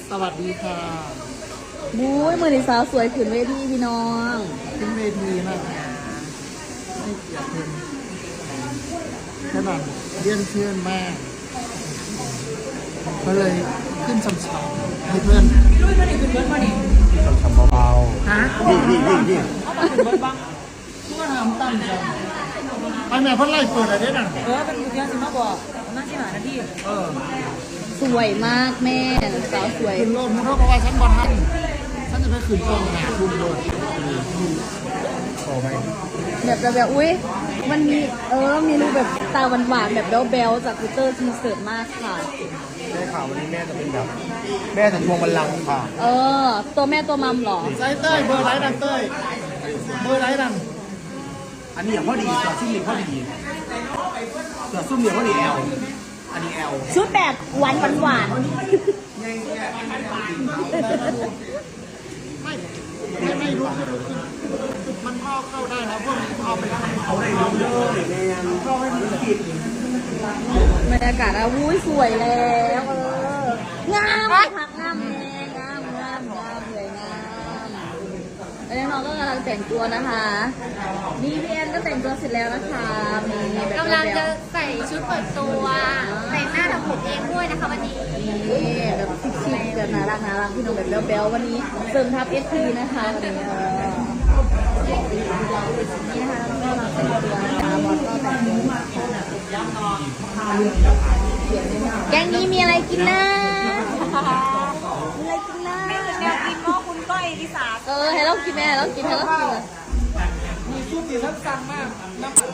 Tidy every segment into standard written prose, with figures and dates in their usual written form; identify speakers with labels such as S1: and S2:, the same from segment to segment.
S1: สวัสดีค่ะ
S2: บุ้ยมือนีสาวสวยขึ้นเวทีพี่น้อง
S1: ขึ้นเวทีนะให้เกียรติเพื่อนขนาดเลี้ยนเพื่อนมากก็เลยขึ้นช้ำๆให้เพื่อนลุยมาดิขึ้นเพื่อนมาดิช้ำๆเบาๆฮะยิ่งเอามาขึ้นเพื่อนบ้างเพื่อนทำตั้งใจไปแม่เพื่อนไล่เปิดอะไรด้วยน่ะ
S3: เป็นอยู่ที่สิมาบอกน่าสิหาหน้าที่
S2: สวยมากแม่สาวสวย
S1: ขึ้นโลดมึงเท่ากับว่าฉันบอลทันฉันจะไปขึ้นกองหาคุณโดนโอ้ไป
S2: แบบอุ้ยมันมีมีรูปแบบตาหวานๆแบบเบลจากกูเตอร์ทีเสิร์ตมากค่ะ
S1: ได้ข่าววันนี้แม่จะเป็นแบบแม่จะทวงบัลลังก์ค่ะ
S2: ตัวแม่ตัวมัมหรอ
S1: ใช่เต้ยเบอร์ไรดังเต้ยเบอร์ไรดัง
S4: อันนี้อย่างพอดีตัวซุ่มเหลี่ยมพอดีตัวซุ่มเหลี่ยมพอดีแอลอันนี้แอล
S2: ชุดแบบหวาน
S1: ไม่รู้มันพ่อเข้าได้นะพวกนี้เอาไป
S4: เอาได้เยอะเลยแม่เข้าให้มันติด
S2: บรรยากาศอุ้ยสวยแล้วงามพักงามแม่งามสวยงามแล้วน้องก็กำลังแต่งตัวนะคะนี่พี่แอนก็แต่งตัวเสร็จแล้วนะคะมีแบบ
S5: กำลังจะใส่ชุดเปิดตัวแต่งหน้าทำผมเองด้วยนะคะวันนี้
S2: แบบชิคๆแบบน่ารักพี่น้องแบบเบลวันนี้เสริมทัพเอสพีนะคะวันนี้นี่นะคะก็เราแต่งตัวนะคะบอสก็แต่งตัวแกงนี้มีอะไรกินนะมีอะไรกินนะ
S3: แนวกินหม้อคุณก้อยลิสา
S2: ให้เรากินแม่เรากิน
S1: มีชุดสีสั้นมากน้ำ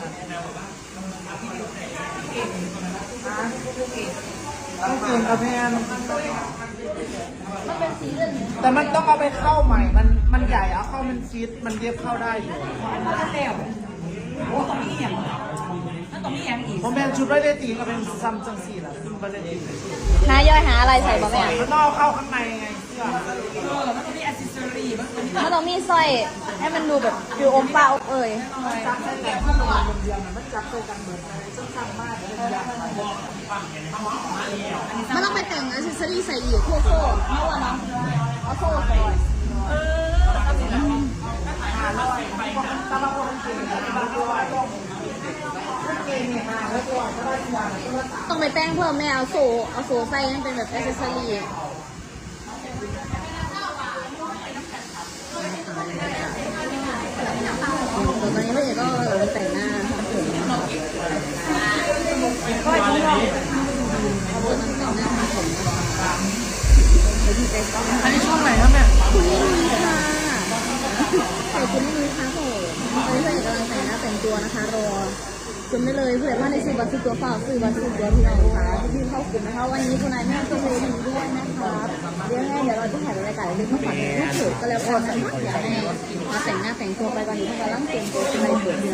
S1: ต้องเก่งกับแพนแต่มันต้องเอาไปเข้าใหม่มันใหญ่เอาเข้ามันฟิตมันเย็บเข้าได้อยู่
S3: โอ้ตรงนี้อย่างอีก
S1: ผมแพนชุดไว้ได้ตีก็เป็นซัมจังสี่แหละซึ่งไว้ได้ตี
S2: หาย่อยหาอะไรใส่บ่แม่
S1: มันต้องเข้าข้างในไง
S3: มันต้องมีอัซเซอรี่
S2: มันต้องมีสร้อยให้มันดูแบบฟิวอมเปล่า
S1: จับใส่แต่ข้างหลังเดียวมันจับใส่กันเหมือนสั้นๆมากเลย
S2: มันต้องไปแต่งอัซเซอรี่ใส่อีกโซ่เมื่อวานน้องเอาโซ่ใส่ต้องไปแต่งเพิ่มแม่เอาโซ่ใส่ให้เป็นแบบอัซเซอรี่ตอนนี้ไม่เห็นก็แต่งหน้าก็อันนี้
S1: ช่องไหนครับเนี่ย
S2: คุณนี่มีค่ะใส่คุณนี่มีค่ะผมตอนนี้เพื่อนกำลังแต่งหน้าแต่งตัวนะคะรอจนได้เลยเพื่อนว่าในซื้อบัตรซื้อตัวเปล่าซื้อบัตรซื้อตัวพี่น้องค่ะที่เข้ากลุ่มนะคะวันนี้คุณนายแม่ก็เลยมีด้วยนะคะเดี๋ยวเราจะถ่ายรายการเล็กๆมาฝากในรูปถือก็แล้วกันนะคะอยากให้มาแต่งหน้าแต่งตัวไปก่อนอยู่กำลังเตรียมตัวคุณนายเปิดเดือน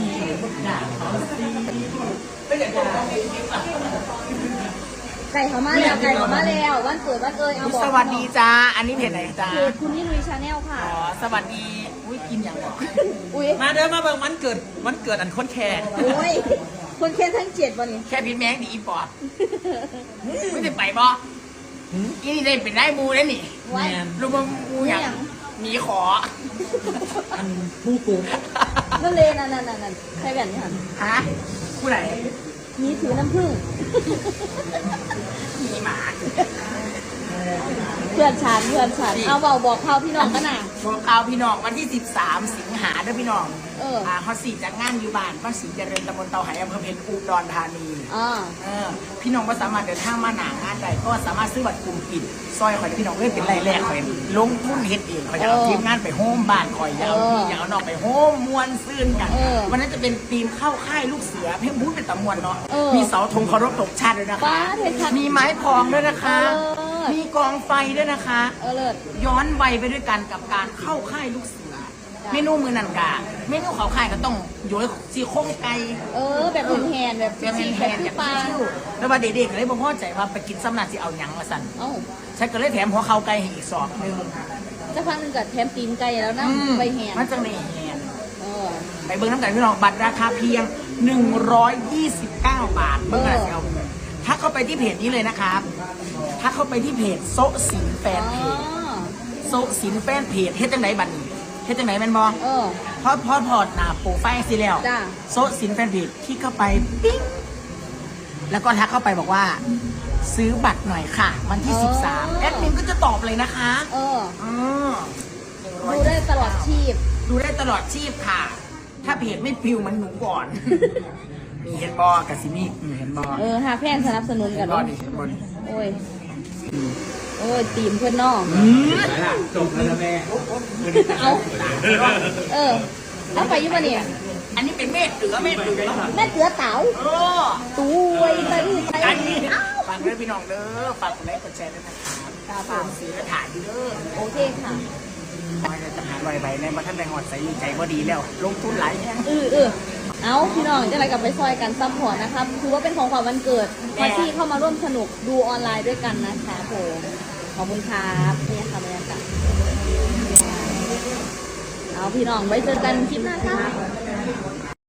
S2: ไก่เขามาแล้ววันเกิดวันเอาบอก
S3: สวัสดีจ้าอันนี้เพจไหนจ้า
S2: คุณนี่ลุยชาแนลค่ะ
S3: สวัสดีอุ้ยกินอย่างบอก
S2: อุ้ย
S3: มาเดินมาเบิ่งวันเกิดอันคนแค่
S2: อุ้ยคนแค่ทั้ง7วันนี้
S3: แค่พิษแมงดีอีปอดไม่ได้ไปบ่อีนี่ได้เป็นได้มูได้นี่ลูกมูอย่างหนีขอ
S1: อันผู้กู
S2: นั่นเลยนั่นใครแบบนี้
S3: ฮะผู้ไหน
S2: มีถือน้ำผึ้ง
S3: มีหมา
S2: เพื่อนฉันเอาบอกเขาพี่น้องกันนะ
S3: บอกเขาพี่น้องวันที่13 สิงหาด้วยพี่น้องฮอต4จากงานอยู่บ้านบ้านศรีเจริญตำบลเตาไหอำเภอเพชรอุดรธานีพี่น้องก็สามารถเดินทางมาหนางานได้ก็สามารถซื้อบัตรกลุ่มปิดซอยข่อยพี่น้องเล่นเป็นรายแรกข่อยลงทุนเฮ็ดเองข่อยจะเอาทีมงานไปโฮมบ้านข่อยยาวพี่ยาวนอกไปโฮมมวนซื่นกันวันนั้นจะเป็นทีมเข้าค่ายลูกเสือเพ่งบู๊เป็นตะมวนเนาะมีเสาธงเคารพตกชาติด้วยนะคะมีไม้พองด้วยนะคะมีกองไฟด้วยนะคะย้อนวัยไปด้วยกันกับการเข้าค่ายลูกเสือเมนูมือนันกาเมนูเขาค่ายก็ต้องโยยซี่โครงไก่
S2: แบบแฮนแบบ
S3: แฮนแบบชิวๆแล้วว่าเด็กๆเลยบอกพ่อใจว่าไปกินซ้ำนาสิเอาหยังมาสั่นฉันก็เลยแถมหัวเข่าไก่ให้อีกสอบนึง
S2: จะพักนึงกับแถมตีนไก่แล้วนะใบแฮน
S3: มันจังเลยแฮนไปเบิ้งน้ำกันพี่น้องบัตรราคาเพียง129 บาทเบิ้งอะไรเอาถ้าเข้าไปที่เพจนี้เลยนะครับถ้าเข้าไปที่เพจโซสินแฟนเพจโซสินแฟนเพจเฮ็ดจังไหนบัดนี้เฮ็ดจังไหนแม่นบ่พอพอดหน้าโปรไฟล์สิแล้วโซสินแฟนเพจที่เข้าไปปิ๊งแล้วก็ทักเข้าไปบอกว่าซื้อบัตรหน่อยค่ะวันที่13แอดมินก็จะตอบเลยนะคะ
S2: ดูได้ตลอดชีพ
S3: ดูได้ตลอดชีพค่ะถ้าเพจไม่ปิวมันหนูก่อนมีเห็นบอกัสิมีเห็นบอ
S2: หาแพงสนับสนุนกัน
S3: บอนี่เห็นบอนี่
S2: โอ้ยตีมเพื่อนน้อง
S4: จบแล้วแม่
S2: เอาเอาไปยุ่งมาเนี่ย
S3: อันนี้เป็นเม็ดเตือเ
S2: เต๋าตุ้ยไป
S3: ฟังเด้อพี่น้องเด้อฝากกดไลค์กดแชร์ด้วยนะครับฝากซื้อและถ่ายดีเด้อ
S2: โอเคค่ะ
S3: จะหาลอยใบในมาท่านใดหอดใส่ใจบ่ดีแล้วลงทุนหลายแน่
S2: เอาพี่น้องจะอะไรกับไปซอยกันซัพพอร์ตนะครับคือว่าเป็นของขวัญวันเกิดมาที่เข้ามาร่วมสนุกดูออนไลน์ด้วยกันนะคะผมขอบคุณครับนี่ค่ะบรรยากาศเอาพี่น้องไว้เจอกันคลิปหน้าค่ะ